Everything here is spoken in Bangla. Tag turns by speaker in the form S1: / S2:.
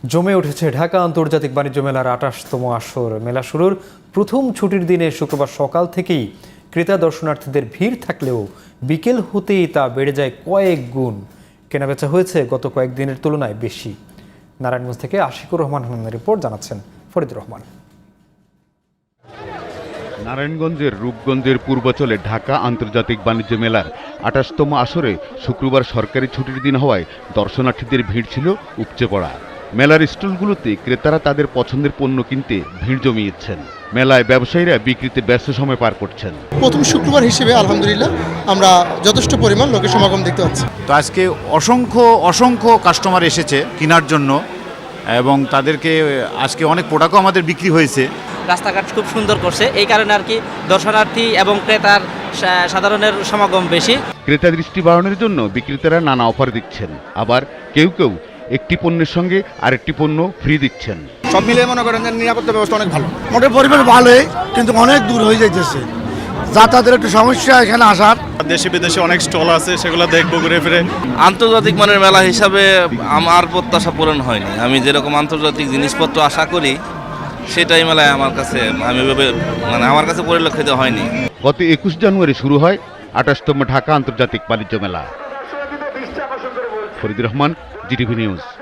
S1: জমে উঠেছে ঢাকা আন্তর্জাতিক বাণিজ্য মেলার ২৮তম আসর। মেলা শুরুর প্রথম ছুটির দিনে শুক্রবার সকাল থেকেই ক্রেতা দর্শনার্থীদের ভিড় থাকলেও বিকেল হতেই তা বেড়ে যায় কয়েক গুণ। কেনাবেচা হয়েছে গত কয়েকদিনের তুলনায় বেশি। নারায়ণগঞ্জ থেকে আশিকুর রহমান হান্নানের রিপোর্ট, জানাচ্ছেন ফরিদুর রহমান।
S2: নারায়ণগঞ্জের রূপগঞ্জের পূর্বাঞ্চলে ঢাকা আন্তর্জাতিক বাণিজ্য মেলার ২৮তম আসরে শুক্রবার সরকারি ছুটির দিন হওয়ায় দর্শনার্থীদের ভিড় ছিল উপচে পড়া। মেলার স্টলগুলোতে ক্রেতারা তাদের পছন্দের পণ্য কিনতে ভিড় জমিয়েছেন। মেলায় ব্যবসায়ীরা বিক্রিতে ব্যস্ত সময় পার করছেন।
S3: প্রথম শুক্রবার হিসেবে আলহামদুলিল্লাহ আমরা যথেষ্ট পরিমাণ লোকের সমাগম দেখতে পাচ্ছি।
S4: তো আজকে অসংখ্য কাস্টমার এসেছে কেনার জন্য এবং তাদেরকে আজকে অনেক প্রোডাক্টও আমাদের বিক্রি হয়েছে।
S5: রাস্তাঘাট খুব সুন্দর করছে, এই কারণে আর কি দর্শনার্থী এবং ক্রেতার সাধারণের সমাগম বেশি।
S2: ক্রেতা দৃষ্টি বাড়ানোর জন্য বিক্রেতারা নানা অফার দিচ্ছেন, আবার কেউ একটি পণ্যের সঙ্গে আরেকটি পণ্য ফ্রি দিচ্ছেন।
S6: সব মিলিয়ে মনে করেন যে নিরাপত্তা ব্যবস্থা অনেক ভালো। মোটের পরিবেশ ভালোই, কিন্তু অনেক দূর হয়ে যাইতেছে, যাতায়াতের একটু সমস্যা এখানে আসার।
S7: দেশে বিদেশে অনেক স্টল আছে, সেগুলো দেখবো ঘুরে ফিরে।
S8: আন্তর্জাতিক মানের মেলা হিসাবে আমার প্রত্যাশা পূরণ হয়নি। আমি যেরকম আন্তর্জাতিক জিনিসপত্র আশা করি সেটাই মেলায় আমার কাছে আমার কাছে পরিলক্ষিত হয়নি।
S2: গত ২১ জানুয়ারি শুরু হয় ২৮তম ঢাকা আন্তর্জাতিক বাণিজ্য মেলা। Faridur Rahman, GTV news.